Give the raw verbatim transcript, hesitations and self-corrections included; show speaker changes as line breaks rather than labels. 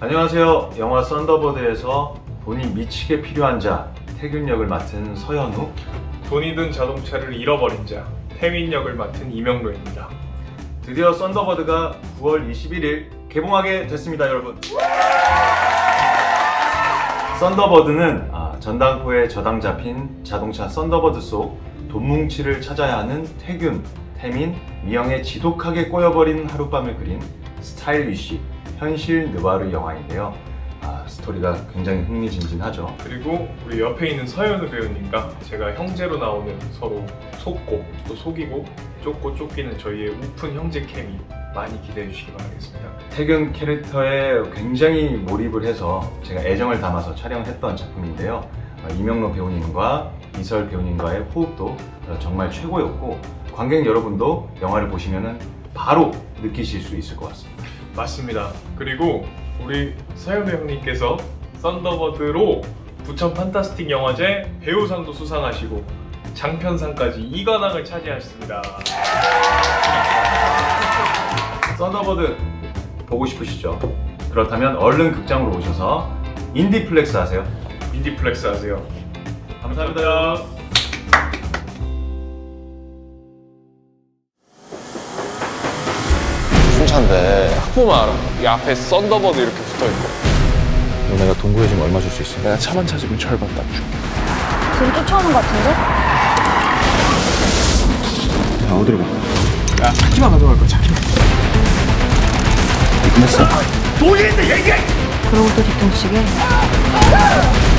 안녕하세요. 영화 썬더버드에서 돈이 미치게 필요한 자 태균 역을 맡은 서현우,
돈이 든 자동차를 잃어버린 자 태민 역을 맡은 이명로입니다.
드디어 썬더버드가 구월 이십일일 개봉하게 됐습니다, 여러분. 썬더버드는 아, 전당포에 저당 잡힌 자동차 썬더버드 속 돈뭉치를 찾아야 하는 태균, 태민, 미영의 지독하게 꼬여버린 하룻밤을 그린 스타일리쉬, 현실 느와르 영화인데요. 아, 스토리가 굉장히 흥미진진하죠.
그리고 우리 옆에 있는 서현우 배우님과 제가 형제로 나오는 서로 속고 또 속이고 쫓고 쫓기는 저희의 우픈 형제 케미 많이 기대해 주시기 바라겠습니다.
태균 캐릭터에 굉장히 몰입을 해서 제가 애정을 담아서 촬영했던 작품인데요. 이명로 배우님과 이설 배우님과의 호흡도 정말 최고였고, 관객 여러분도 영화를 보시면 바로 느끼실 수 있을 것 같습니다.
맞습니다. 그리고 우리 서현우 형님께서 썬더버드로 부천 판타스틱 영화제 배우상도 수상하시고 장편상까지 이관왕을 차지하셨습니다.
썬더버드 보고 싶으시죠? 그렇다면 얼른 극장으로 오셔서 인디플렉스 하세요.
인디플렉스 하세요.
감사합니다, 여러분.
무슨 차인데?
보면 알아. 이 앞에 썬더버드 이렇게 붙어있고.
너 내가 동구해 지금 얼마 줄 수 있어?
내가 차만 찾으면 절반 딱 줄게.
지금 쫓아오는 것 같은데?
야, 어디로 가?
야, 차키만 가져갈 거야, 차키만.
끝냈어.
그러고 또 뒤통수게?